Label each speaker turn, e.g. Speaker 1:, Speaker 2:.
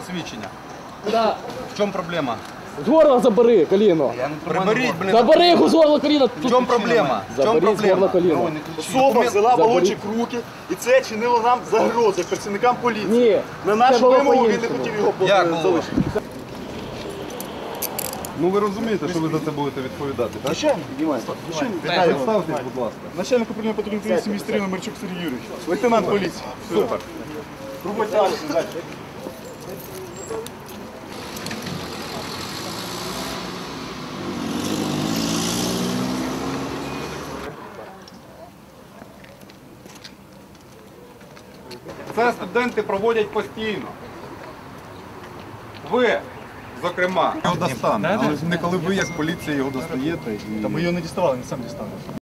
Speaker 1: посвідчення.
Speaker 2: Да.
Speaker 1: В чому проблема?
Speaker 2: З горла забери коліно.
Speaker 1: Приберіть, блін.
Speaker 2: Забери його з горла коліно.
Speaker 1: В чому проблема? В чому
Speaker 2: Забери з горла
Speaker 1: проблема?
Speaker 2: коліно.
Speaker 3: Особа взяла балончик в руки, і це чинило нам загрози працівникам поліції.
Speaker 2: Ні.
Speaker 3: На
Speaker 2: це
Speaker 3: нашу
Speaker 2: було
Speaker 3: вимогу він не
Speaker 2: по-іншому.
Speaker 3: хотів його
Speaker 1: Як було?
Speaker 3: залишити.
Speaker 4: Ну ви розумієте, що ви за це будете відповідати, так?
Speaker 3: Звичайно,
Speaker 4: Представтесь, будь ласка.
Speaker 3: начальник управління патрульної поліції міста Рівно Мерчук Сергій Юрійович. Лейтенант поліції. Супер. Робота далі.
Speaker 4: Це студенти проводять постійно. Ви, зокрема, його достанете, але не коли ви як поліція його достаєте.
Speaker 3: Та ми його не діставали, він сам дістану.